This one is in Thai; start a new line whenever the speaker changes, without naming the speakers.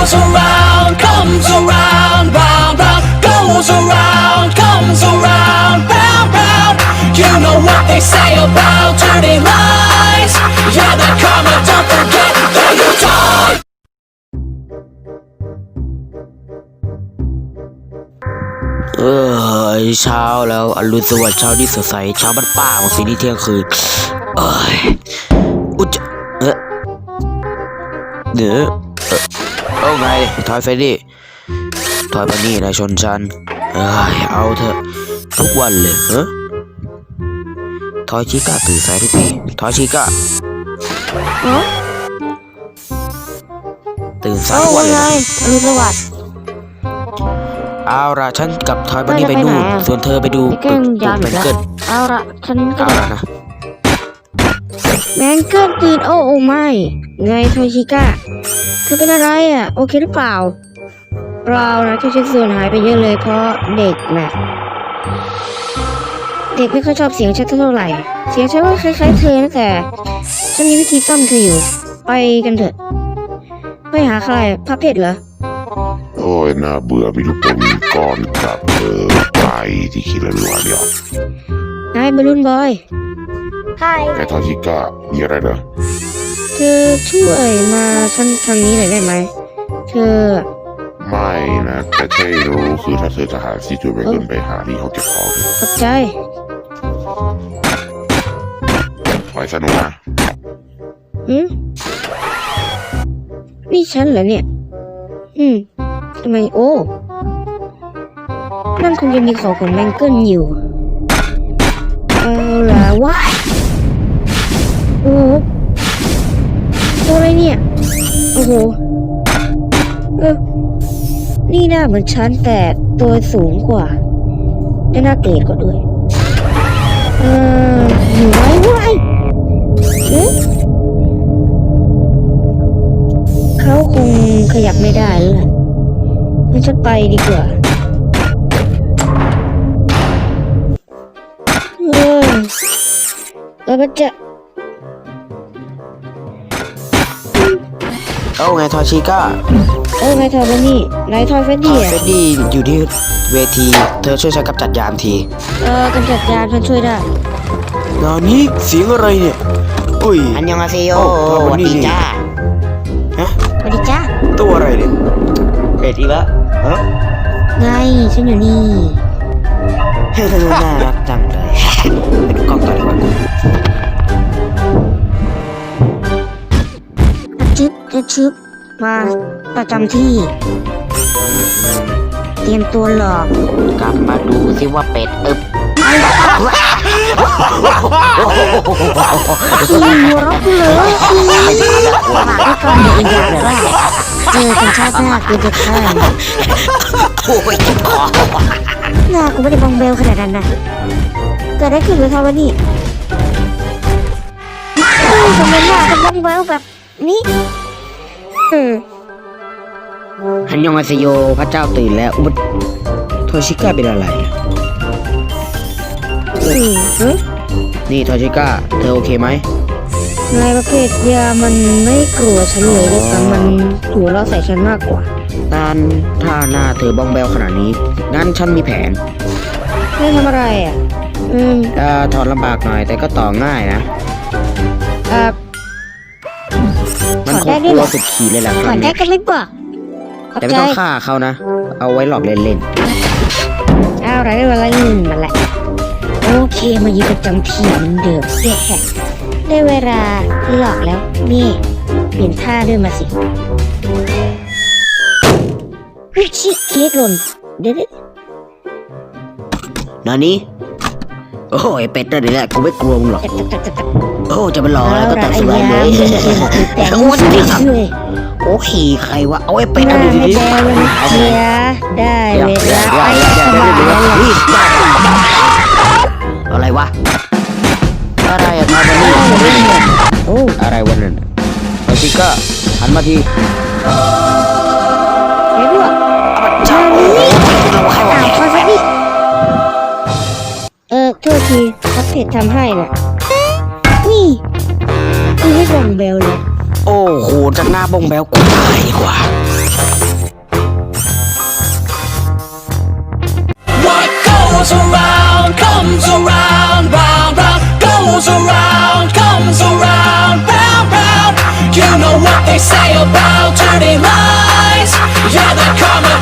goes around, comes around, round, round, goes around, comes around, round, round. You know what they say about turning lies. Yeah, they're coming, don't forget that you die.
เช้าแล้วอรุณสวัสดิ์เช้าที่สดใสเช้าบ้านป่าของสีนี้เที่ยงคืนอุจเอาไงทอยเฟรดดี้ทอยปานี่นายชนฉันเอาเถอะทุกวันเลยทอยชิก้าตื่นสายทุกทีทอยชิก้าตื่นสายทุกวันเลย
อรุณสวัสดิ์
เอาละฉันกับทอยบันนี่ไปนู่นส่วนเธอไปดู
แมงเกิลเอาละฉันก็นะแมงเกิลตื่นโอ้ไม่ไงโทชิก้าเธอเป็นอะไรโอเคหรือเปล่าเรานะที่ชิ้นส่วนหายไปเยอะเลยเพราะเด็กน่ะเด็กไม่ค่อยชอบเสียงฉันเท่าไหร่เสียงฉันว่าคล้ายๆเธอนะแต่ฉันมีวิธีซ่อมเธออยู่ไปกันเถอะไปหาใครพระเพชรเหรอ
โอ้ยน่าเบื่อมีลูกอมก้อนกับไปที่คิดแล้วรัวเดียวน
ายบอลลูนบอย
ไอ้ทอชิก้ามีอะไรเหรอ
เธอช่วยมาฉันทางนี้หน่อยได้ไหมเธอ
ไม่นะแต่ใช่รู้คือถ้าเธอจะหาซีจูไปขึ้นไปหาที่เขาเก็บของ
ขอบใจ
ไว้สนุกนะ
นี่ฉันเหรอเนี่ยทำไมโอ้นั่นคงจะมีของแมงเกิลอยู่เอาล่ะว้าโอ้ตัวอะไรเนี่ยโอ้โหนี่หน้าเหมือนฉันแต่ตัวสูงกว่าและหน้าเกลียดกว่าด้วยอยู่ไว้เขาคงขยับไม่ได้แล้วงั้นฉันไปดีกว่าแล้วก็จะ
เอาไงทอยชิก้า
ไงทอยบันนี่นายทอยเฟรดดี้
เฟรดดี้อยู่ที่เวทีเธอช่วยฉันกำจัดยามที
กำจัดยามฉันช่วยได้
นานี่เสียงอะไรเนี่ยอุ้ย
อันยองอาเซโยสวัสดีจ้า
สวัสดีจ้า
ตัวอะไรเนี่ย
เป็ดอีกแล้ว
ไงฉันอยู่นี่
น่ารักจังเลยไปดูกล้องต่อดีกว่า
ชึบมาประจำที่เตรียมตัวหลอก
กลับมาดูสิว่าเป็ด
หัวเราะเลยฝากด้วยก่อนเดี๋ยวอีกอย่างว่าเจอกันชาติหน้ากูจะฆ่า
โอ้ยคอ
หน้ากูไม่ได้บองเบลขนาดนั้นนะเกิดอะไรขึ้นกับเขาวะนี่ทำไมหน้ากูบองเบลแบบนี้
อันยองอาเซโยพระเจ้าตื่นแล้ว
โทชิก้าเป็นอะไรนี่ทอยชิก้าเธอโอเคไหม
นายประเภทยามันไม่กลัวฉันเลยด้วยซ้ำมันหัวเราะใส่ฉันมากกว่า
ถ้าหน้าเธอบ้องแบวขนาดนี้งั้นฉันมีแผน
ไม่ทำอะไร
ถอดลำบากหน่อยแต่ก็ต่อง่ายนะมันคงกลัวสุดขีดเลยแหละ
ถอดได้ก็ไม่บอก
แต่ไม่ต้องฆ่าเขานะเอาไว้หลอกเล่น
เอาอะไรได้เวลาหนึ่งมาแหละโอเคมายืนประจำที่เหมือนเดิมได้เวลาหลอกแล้วนี่เปลี่ยนท่าด้วยมาสิชิเค้กหล่นเดี๋ยว
นานี่โอ้ยเป็ดนั่นแหละกูไม่กลัวมึงหรอกโอ้จะไปหลอกแล้วก็ตัดสบายเลย
โอ้ย
โอ้ขี่ใครวะเอาไอ้เป็ดเอา
ดีๆได้เวลาไปสบาย
อะไรวะอะไรอะทอยบันนี่อะไรวันนั้นไอชิก้าหันมาที
เฮ้ยพวกชาลีทอยบันนี่โทษทีพับเพจทำให้น่ะนี่คือให้บองเบลเลย
โอ้โหจากหน้าบองเบลกูตายดีกว่า
goes around, comes around, round, round, goes around, comes around, round, round. You know what they say about dirty lies. Yeah, they're coming